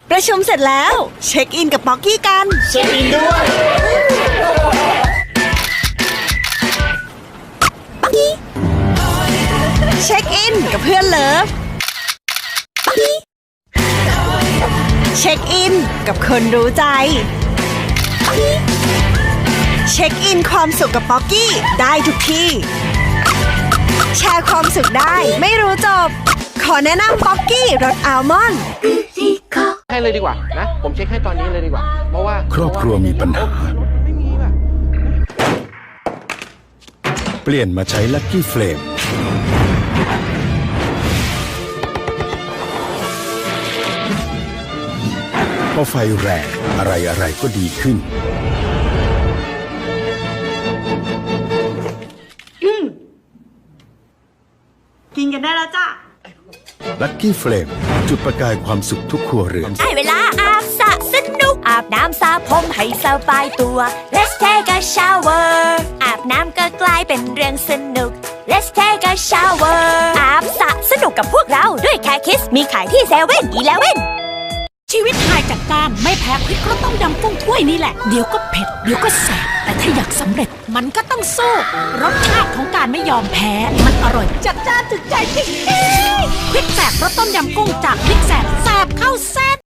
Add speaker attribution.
Speaker 1: ประชุมเสร็จแล้วเช็คอินกับป๊อกกี้กัน
Speaker 2: เช็คอินด้วย
Speaker 1: ป๊อกกี้เช็คอินกับเพื่อนเลิฟป๊อกกี้เช็คอินกับคนรู้ใจป๊อกกี้เช็คอินความสุขกับป๊อกกี้ได้ทุกที่แชร์ความสุขได้ไม่รู้จบขอแนะนำป๊อกกี้รสอัลมอนด์
Speaker 3: ให้เลยดีกว่านะผมเช็คให้ตอนนี้เลยดีกว่าเพราะว่า
Speaker 4: ครอบครัวมีปัญหาเปลี่ยนมาใช้ลัคกี้เฟลมพอไฟแรงอะไรก็ดีขึ้น
Speaker 1: กินกันได้แล้วจ้ะ
Speaker 4: ลัคกี้เฟลมจุดประกายความสุขทุกครัวเรือน
Speaker 5: ได้เวลาอาบสระสนุกอาบน้ำสระผมให้สบายตัว Let's take a shower อาบน้ำก็กลายเป็นเรื่องสนุก Let's take a shower อาบสระสนุกกับพวกเราด้วยแค่คิสมีขายที่7-Eleven
Speaker 6: ชีวิตหายจากการไม่แพ้พริกก็ต้องยำกุ้งถ้วยนี่แหละเดี๋ยวก็เผ็ดเดี๋ยวก็แสบแต่ถ้าอยากสำเร็จมันก็ต้องสู้รสชาติของการไม่ยอมแพ้มันอร่อยจัดจ้านถึงใจจริงๆพริกแสบรสต้มยำกุ้งจากพริกแสบเข้าเส้น